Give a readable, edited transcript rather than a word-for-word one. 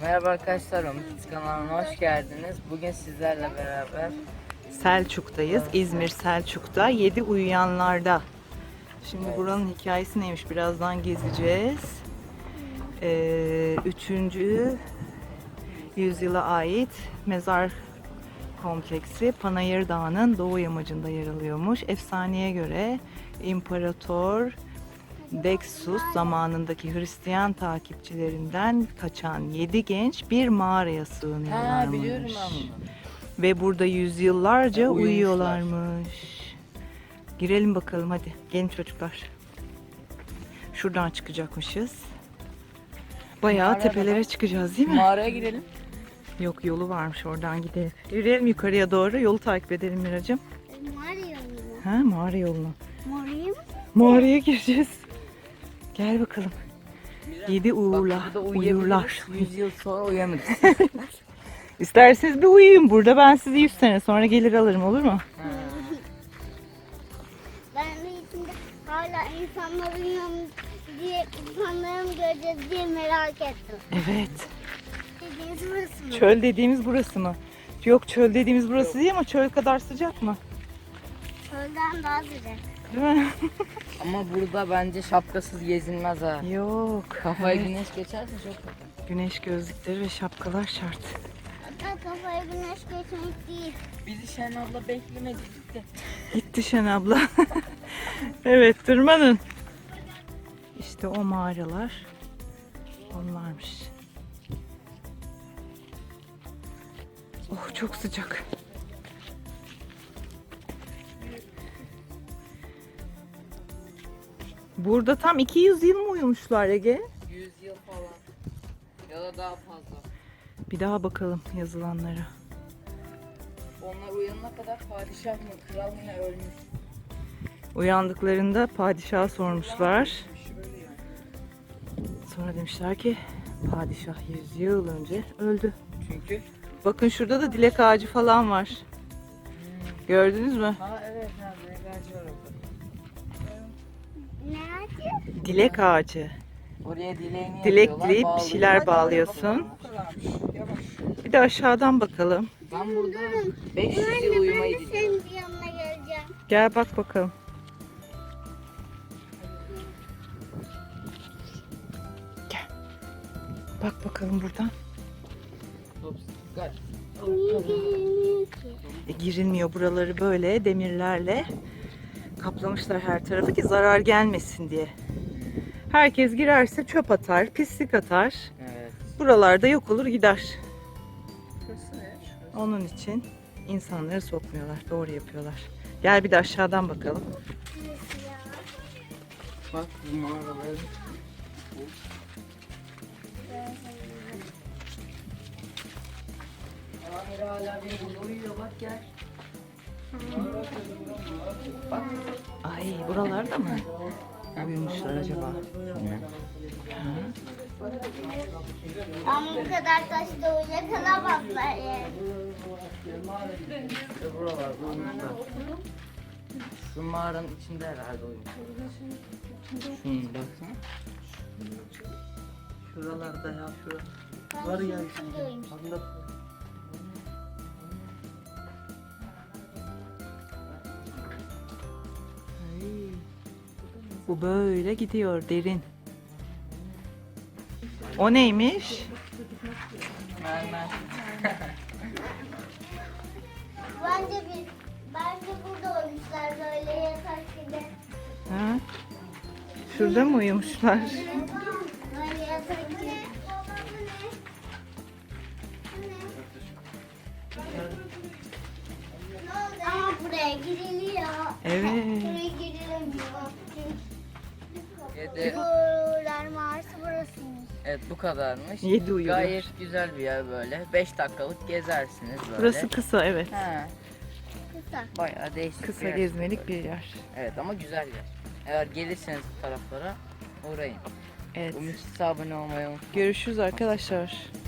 Merhaba arkadaşlar, Umut kanalına hoş geldiniz. Bugün sizlerle beraber Selçuk'tayız. İzmir Selçuk'ta 7 uyuyanlarda. Şimdi buranın hikayesi neymiş birazdan gezeceğiz. 3. yüzyıla ait mezar kompleksi Panayır Dağı'nın doğu yamacında yer alıyormuş. Efsaneye göre İmparator Deksus zamanındaki Hristiyan takipçilerinden kaçan 7 genç bir mağaraya sığınıyorlarmış. biliyorum ben bunu. Ve burada yüzyıllarca Uyumuşlar. uyuyorlarmış. Girelim bakalım hadi. Gelin çocuklar. Şuradan çıkacakmışız. Bayağı Mağaraya tepelere bakalım. çıkacağız değil mi? Mağaraya girelim. Yok, yolu varmış, oradan gidelim. Yürüyelim yukarıya doğru. Yolu takip edelim Miracığım. Mağara yoluna. Ha, mağara yoluna. Mağaraya mı? Mağaraya gireceğiz. Gel bakalım. 7 Bak, uğurlar. burada Uyurlar. 100 yıl sonra uyanırız. İsterseniz bir uyuyun burada. Ben sizi 100 sene sonra gelir alırım, olur mu? Ben de içinde hala insanların yanında diye insanların göreceğiz diye merak ettim. Evet. Dediğiniz burası mı? Çöl dediğimiz burası mı? Yok, çöl dediğimiz burası değil ama çöl kadar sıcak mı? Çölden daha sıcak. Değil mi? Ama burada bence şapkasız gezilmez ha. Yok. Kafaya Evet. güneş geçerse çok kötü. Güneş gözlükleri ve şapkalar şart. Hatta kafaya güneş geçmek değil. Bizi Şen abla beklemedi gitti. Gitti Şen abla. Evet, tırmanın. İşte o mağaralar. Onlarmış. Oh, çok sıcak. Burada tam 200 yıl mı uyumuşlar Ege? 100 yıl falan. Ya da daha fazla. Bir daha bakalım yazılanlara. Onlar uyanana kadar padişah mı, kral mı ne ölmüş. Uyandıklarında padişaha sormuşlar. Sonra demişler ki padişah 100 yıl önce öldü. Çünkü Bakın şurada da dilek ağacı falan var. Gördünüz mü? ha evet ha direkt ağacı var orada. Ne acı? Dilek ağacı. Oraya dileğini Dilek yapıyorlar, dileyip bir bağlıyorlar. şeyler bağlıyorsun. Bir de aşağıdan bakalım. Ben burada 500 yıl Ben uyumayı de diliyorum. senin yanına geleceğim. Gel bak bakalım. Gel. Bak bakalım buradan. Gel. Niye gelmiyor ki? Girilmiyor, buraları böyle demirlerle kaplamışlar her tarafı ki zarar gelmesin diye. Herkes girerse çöp atar, pislik atar. Evet. Buralarda yok olur gider. Şurası ne? Onun için insanları sokmuyorlar. Doğru yapıyorlar. Gel bir de aşağıdan bakalım. Şurası ya. Bak bu mağaraları. Amir hala bir burada uyuyor bak gel. Bak. Ay, buralarda mı uyumuşlar acaba? Ama bu kadar taşta uyuyakalamazlar yani. İşte buralarda uyumuşlar. Şu mağaranın içinde herhalde uyumuşlar. Şunu baksana. Şuralarda ya şurada. Var ya işte. Ay, bu böyle gidiyor derin. O neymiş? Mermer. Bence burada olmuşlar böyle yatak gibi. Ha? Şurada mı uyumuşlar? Böyle yatak gibi. Ama buraya giriliyor. Evet. Buraya girilemiyor. Yedi. Uğurlar mağarası burasıymış. Evet bu kadarmış. 7 uyuyorlar. Gayet güzel bir yer böyle. 5 dakikalık gezersiniz böyle. Burası kısa, evet. He, Kısa. bayağı değişik Kısa bir yer. gezmelik bir yer. Evet ama güzel yer. Eğer gelirseniz bu taraflara uğrayın. Evet. Umut abone olmayı unutmayın. Görüşürüz arkadaşlar.